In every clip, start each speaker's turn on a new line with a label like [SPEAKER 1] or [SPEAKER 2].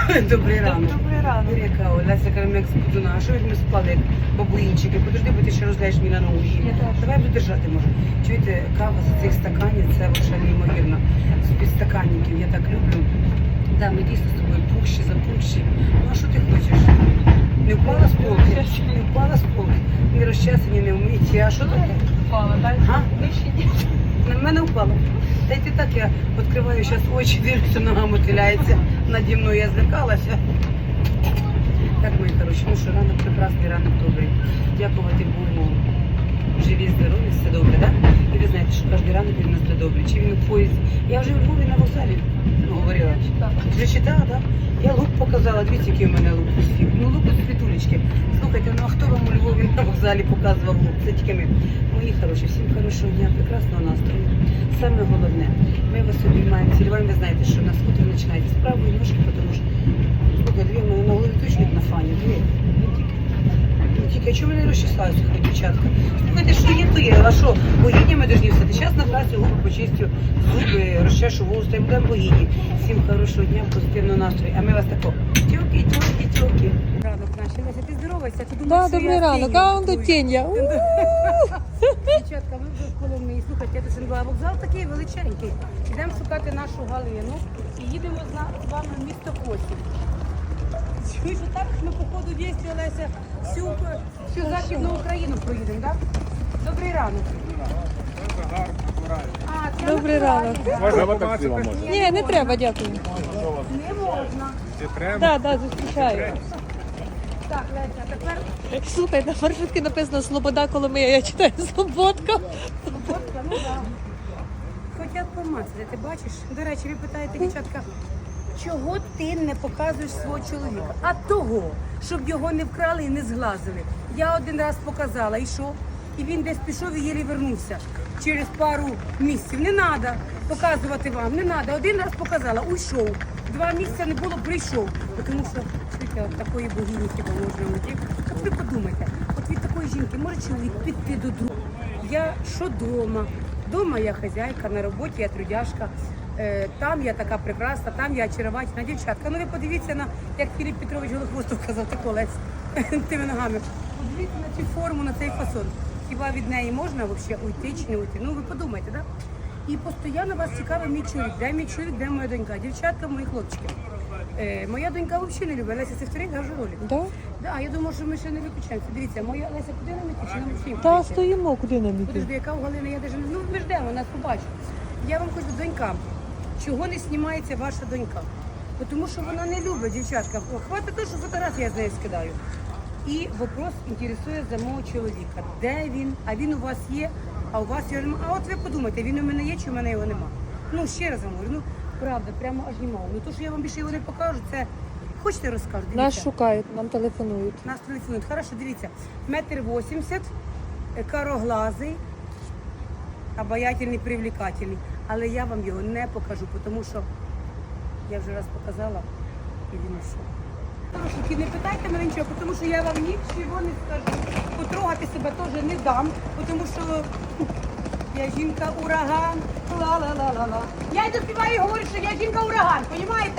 [SPEAKER 1] Добрий ранок.
[SPEAKER 2] Добрий ранок.
[SPEAKER 1] Яка Леся Карамек Спудуна. А що ви ми спали, як бабуїнчики? Подожди, бо ти ще розгляєш мені на ногу. Давай буду держати, може. Чуєте, кава з цих стаканів, це взагалі неймовірно. З підстаканників, я так люблю. Да, ми дійсно з тобою пухші, запухші. Ну а що ти хочеш? Не впала з полки? Не впала з полки. Не розчесані, не вмиті. А що таке?
[SPEAKER 2] Впала, так?
[SPEAKER 1] А?
[SPEAKER 2] Вище ні.
[SPEAKER 1] На мене впало. Та й ти так, я відкриваю зараз очі, дивлюся, нога мотиляється наді мною, я злякалася. Так, мої хороші, ну що, ранок прекрасний, ранок добрий. Дякувати Богу, живі, здорові, все добре, так? І ви знаєте, що кожен ранок він у нас буде добрий. Чи він у поїзді? Я вже в Львові на вокзалі говорила. Вже читала, так? Я лук показала, дивіться, який у мене лук у світ. Ну, лук у світулечки. Слухайте, ну а хто вам у Львові на вокзалі показував лук? Це тільки ми. Мої хороші, всім хорошого дня, прекрасного настрою. Саме головне, ми вас обіймаємо, цілюваємо, ви знаєте, що у нас утро починається з правої ножки, тому що, слухай, дві в мене на голові точно як на фані, дві. Не тільки, а чому не розчесаються, хай дівчатка? Слухайте, що є, то є, а що, богині ми дожні все. Зараз на трасі губи почистю, зуби, розчешу вуста, і будемо богині. Всім хорошого дня, позитивного настрою. А ми вас тако, тьоки, тьоки, тьоки. Ранок наші, Леся, ти здоровайся, ти думаєш,
[SPEAKER 2] Да,
[SPEAKER 1] що
[SPEAKER 2] добрий
[SPEAKER 1] я
[SPEAKER 2] ранок,
[SPEAKER 1] фея?
[SPEAKER 2] а он до тіння.
[SPEAKER 1] Дівчатка, ми вже в Коломиї. Слухайте, я дуже була. Вокзал такий величенький. Йдемо шукати нашу Галину і їдемо з вами в місто Косів. Чуєш, так ми по ходу дійсно, Олеся, всю Західну Україну проїдемо, так? Добрий ранок. А, це
[SPEAKER 2] Добрий ранок.
[SPEAKER 3] Можна помацати?
[SPEAKER 2] Ні, не треба, дякую.
[SPEAKER 1] Не можна.
[SPEAKER 3] Чи треба?
[SPEAKER 2] Так, так, зустрічаю.
[SPEAKER 1] Так, Леся, а тепер
[SPEAKER 2] Слухай, на маршрутці написано Слобода Коломия, я читаю Слободка.
[SPEAKER 1] фотка, ну так. Хотять помацати, ти бачиш? До речі, ви питаєте, дівчатка, чого ти не показуєш свого чоловіка? А того, щоб його не вкрали і не зглазили. Я один раз показала, і що? І він десь пішов і єлі вернувся через пару місяців. Не треба показувати вам, не треба. Один раз показала, уйшов. 2 місяці не було, прийшов. Тому що чуєте, от такої богині хіба можна уйти. От ви подумайте, от від такої жінки може чоловік піти до друга. Я що дома? Дома я хазяйка, на роботі я трудяшка. Там я така прекрасна, там я очаровательна дівчатка. Ну ви подивіться на, як Філіп Петрович Голохвостов казав, ти колець тими ногами. Подивіться на цю форму, на цей фасон. Хіба від неї можна взагалі уйти чи не уйти? Ну ви подумайте, так? І постійно вас цікавить мій чоловік. Де мій чоловік, де моя донька? Дівчатка, мої хлопчики. Моя донька взагалі не любить. Леся, це вторий гажу ролик.
[SPEAKER 2] Да?
[SPEAKER 1] Да, я думаю, що ми ще не виключаємося. Дивіться, моя Леся, куди нам іти? Чи нам всім?
[SPEAKER 2] Та стоїмо, куди нам
[SPEAKER 1] Подожди,
[SPEAKER 2] іти?
[SPEAKER 1] яка у Галини, я навіть не... Ну, ми ждемо, нас побачить. Я вам кажу, донька, чого не знімається ваша донька? Тому що вона не любить, дівчатка. Хватить того, що фотографії я з нею скидаю. І вопрос інтересує за мого чоловіка. Де він? А він у вас є, а у вас його немає. А от ви подумайте, він у мене є, чи у мене його нема? Ну, ще раз вам говорю, ну, правда, прямо аж немає. Ну, то, що я вам більше його не покажу, це... Хочете розкажу? Дивіться.
[SPEAKER 2] Нас шукають, нам телефонують.
[SPEAKER 1] Нас телефонують. Хорошо, дивіться. 1,80 м, кароглазий, обаятельний, привлекательний. Але я вам його не покажу, тому що я вже раз показала і він ушов. Хорошо, не питайте мене нічого, тому що я вам нічого не скажу. Потрогати себе теж не дам, тому що я жінка ураган, ла-ла-ла-ла-ла. Я йду співаю і говорю, що я жінка ураган, розумієте?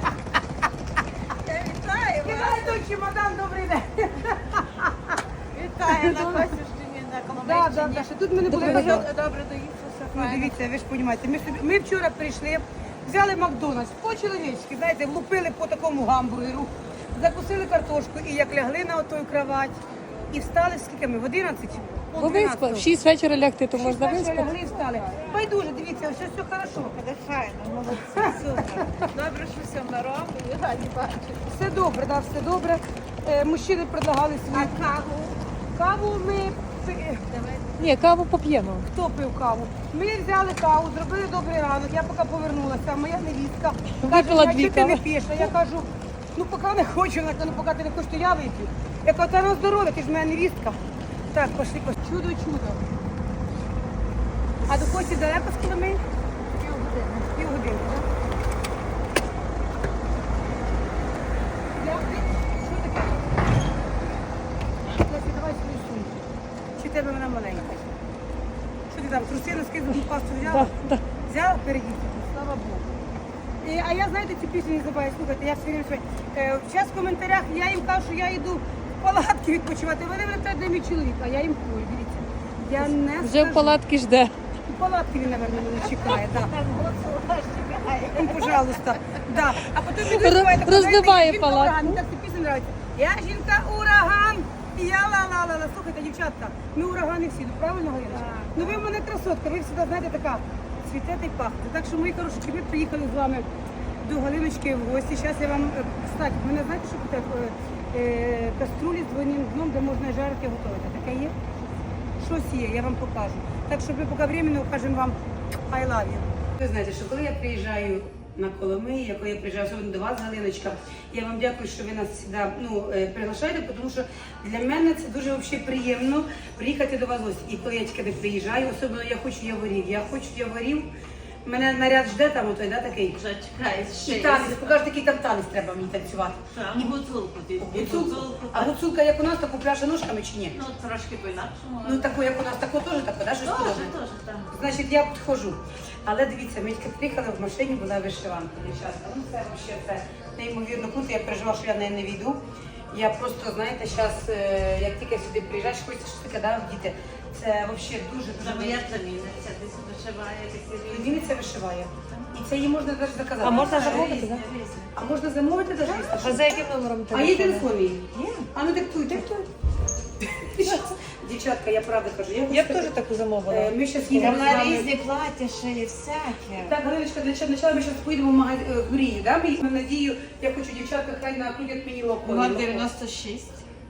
[SPEAKER 4] Вітаю вас!
[SPEAKER 1] Вітаю, той чемодан, добрий день.
[SPEAKER 4] Вітаю на Косівщині, на
[SPEAKER 1] Да,
[SPEAKER 4] Коломийщині.
[SPEAKER 1] що тут ми не були.
[SPEAKER 4] Добре
[SPEAKER 1] Добре.
[SPEAKER 4] доїхався,
[SPEAKER 1] Ну,
[SPEAKER 4] файно.
[SPEAKER 1] дивіться, ви ж розумієте, ми вчора прийшли, взяли Макдональдс, по-чоловічки, знаєте, влупили по такому гамбургеру, закусили картошку і як лягли на отою кровать, і встали, скільки ми, в 11?
[SPEAKER 2] Бо виспа, в 6 вечора лягти, то можна
[SPEAKER 1] виспати.
[SPEAKER 2] виспати.
[SPEAKER 1] Лягли і встали. Байдуже, дивіться, все хорошо.
[SPEAKER 4] Буде файно, молодці, супер. Добре, що все на року, і раді бачити.
[SPEAKER 1] Все добре, да, все добре. Мужчини предлагали свою
[SPEAKER 4] А каву?
[SPEAKER 1] каву. Ми
[SPEAKER 2] Ні, каву поп'ємо.
[SPEAKER 1] хто пив каву? Ми взяли каву, зробили добрий ранок. Я поки повернулася, моя невістка
[SPEAKER 2] Випила
[SPEAKER 1] каже,
[SPEAKER 2] дві
[SPEAKER 1] а чого ти не
[SPEAKER 2] кави.
[SPEAKER 1] п'єш? А я кажу, ну поки не хочу, вона каже, ну поки ти не хочеш, то я вип'ю. Я кажу, та на здоров'я, ти ж моя невістка. Так, пошли, пошли. Чудо, чудо. А до Кості далеко з Коломиї? Півгодини, так? Що таке? Леся, давай свою сумку. Чи в тебе вона маленька? Що ти там, труси, носки, зубну пасту взяла?
[SPEAKER 2] Да.
[SPEAKER 1] Взяла передітку, слава Богу. А я, знаєте, цю пісню не забуваю слухати, я все время свою. Зараз в коментарях я їм кажу, що я йду в палатки відпочивати. Вони мене питають, де мій чоловік, а я їм кажу, дивіться. Я не
[SPEAKER 2] Вже
[SPEAKER 1] скажу.
[SPEAKER 2] в палатки жде.
[SPEAKER 1] У палатки він, мабуть, мене чекає, так. Ну, пожалуйста. Да. А потім він співає,
[SPEAKER 2] Розбиває
[SPEAKER 1] «Жінка
[SPEAKER 2] палатку».
[SPEAKER 1] ураган. Мені так ця пісня подобається. Я жінка ураган, і я ла-ла-ла-ла. Слухайте, дівчатка, ми урагани всі, ну правильно, Галиночка? Ну ви в мене красотка, ви завжди, знаєте, така цвітете і пахнете. Так що, мої хороші, ми приїхали з вами до Галиночки в гості. Зараз я вам, кстати, мене знаєте, що таке каструлі з двойним дном, де можна жарити і готувати. Таке є? Щось є, я вам покажу. Так що ми поки временно кажемо вам I love you. Ви знаєте, що коли я приїжджаю на Коломиї, коли я приїжджаю особливо до вас, Галиночка, я вам дякую, що ви нас завжди приглашаєте, тому що для мене це дуже взагалі приємно приїхати до вас в гості. І коли я тільки приїжджаю, особливо я хочу яворів. Я хочу яворів. Мене наряд жде там отой, да, такий?
[SPEAKER 3] Вже чекає
[SPEAKER 1] І
[SPEAKER 3] ще.
[SPEAKER 1] танець, покажи, який там танець треба мені танцювати.
[SPEAKER 3] І гуцулку ти.
[SPEAKER 1] Гуцулку. А гуцулка як у нас, таку пляше ножками чи ні?
[SPEAKER 3] Ну, трошки по-інакшому.
[SPEAKER 1] Ну таку, як у нас, таку теж таку, да, щось подобне?
[SPEAKER 3] Теж, так.
[SPEAKER 1] Значить, я підходжу. Але дивіться, ми тільки приїхали в машині, була вишиванка, дівчатка. Ну це взагалі це неймовірно круто. Я переживала, що я неї не війду. Я просто, знаєте, зараз, як тільки сюди приїжджаєш, хочеться щось таке, да, вдіти. Це взагалі дуже
[SPEAKER 3] Забоя заміниться, десь вишиває такі різні.
[SPEAKER 1] Вінниця вишиває. І це її можна навіть заказати.
[SPEAKER 2] А можна
[SPEAKER 3] Різні,
[SPEAKER 2] замовити, так?
[SPEAKER 3] різні.
[SPEAKER 1] А можна замовити навіть?
[SPEAKER 2] А за яким номером
[SPEAKER 1] А є
[SPEAKER 2] телефону?
[SPEAKER 1] телефон її? Є. А ну диктуйте. Дівчатка, я правда кажу.
[SPEAKER 2] Я б теж таку замовила.
[SPEAKER 1] Ми зараз їдемо з
[SPEAKER 3] Вона
[SPEAKER 1] вами.
[SPEAKER 3] різні плаття шиє, всяке.
[SPEAKER 1] Так, Галиночка, для начала ми зараз поїдемо в магазин Гурії, да? Ми їдемо, надію, я хочу дівчатка, хай накрутять мені локо.
[SPEAKER 3] 096,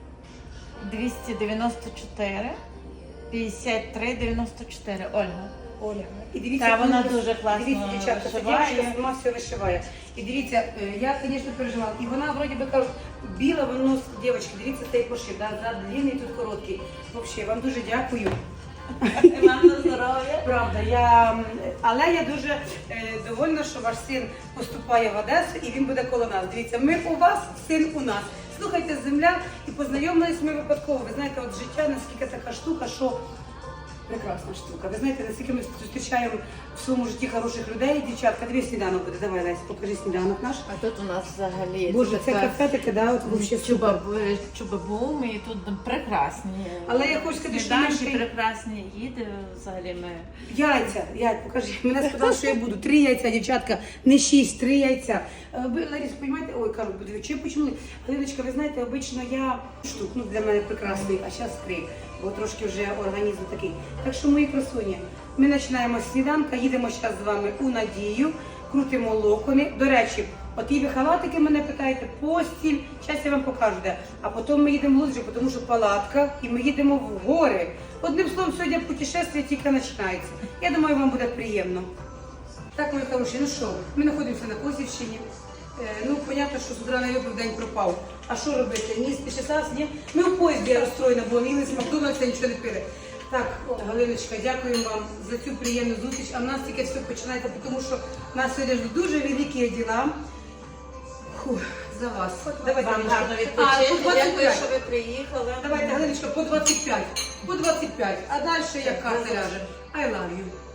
[SPEAKER 3] 294, 53, 94. Ольга.
[SPEAKER 1] Оля. І дивіться,
[SPEAKER 3] Та, вона
[SPEAKER 1] коли-
[SPEAKER 3] дуже класно
[SPEAKER 1] дивіться, дівчатка, ця
[SPEAKER 3] вишиває.
[SPEAKER 1] дівчинка сама все вишиває. І дивіться, я, звісно, переживала. І вона, вроді би, кажу, біла, воно, дівчатки, дивіться, цей пошив, да? Зад длинний, тут короткий. Взагалі, вам дуже дякую.
[SPEAKER 3] І вам на здоров'я.
[SPEAKER 1] Правда, але я дуже довольна, що ваш син поступає в Одесу і він буде коло нас. Дивіться, ми у вас, син у нас. Слухайте, земля, і познайомились ми випадково. Ви знаєте, от життя наскільки така штука, що прекрасна штука. Ви знаєте, наскільки ми зустрічаємо в своєму житті хороших людей. Дівчатка, дивись, сніданок буде. Давай, Лесь, покажи сніданок наш.
[SPEAKER 3] А тут у нас взагалі
[SPEAKER 1] Боже, це кафе таке, да, от взагалі супер.
[SPEAKER 3] Чубабум, і тут прекрасні.
[SPEAKER 1] Але я хочу сказати, що ми
[SPEAKER 3] Сніданки
[SPEAKER 1] ще-
[SPEAKER 3] прекрасні їди, взагалі ми.
[SPEAKER 1] Яйця, покажи. Мене сказали, що я буду. 3 яйця, дівчатка, не 6, 3 яйця. Ви, Ларіс, розумієте, ой, кажуть, буде чи почему? Галиночка, ви знаєте, обично я штук, ну для мене прекрасний, а зараз 3, бо трошки вже організм такий. Так що, мої красуні, ми починаємо з сніданка, їдемо зараз з вами у Надію, крутимо локони. До речі, от і ви халатики мене питаєте, постіль, зараз я вам покажу де. А потім ми їдемо в Луджі, тому що палатка, і ми їдемо в гори. Одним словом, сьогодні путешествие тільки починається. Я думаю, вам буде приємно. Так, мої хороші, ну що, ми знаходимося на Косівщині. Ну, понятно, що з утра не випив, день пропав. А що робити? Ні, спішитась, ні? Ми в поїзді я розстроєна, бо їли з Макдональдса, нічого не пили. Так, Галиночка, дякуємо вам за цю приємну зустріч. А в нас тільки все починається, тому що в нас сьогодні ждуть дуже великі діла. Фух, за вас. Давайте,
[SPEAKER 3] Вам
[SPEAKER 1] Галиночка.
[SPEAKER 3] гарно
[SPEAKER 1] А,
[SPEAKER 3] відпочити.
[SPEAKER 1] по
[SPEAKER 3] Дякую,
[SPEAKER 1] 25.
[SPEAKER 3] що ви приїхали.
[SPEAKER 1] Давайте, Галиночка, по 25. По 25. А далі яка ляже? I love you.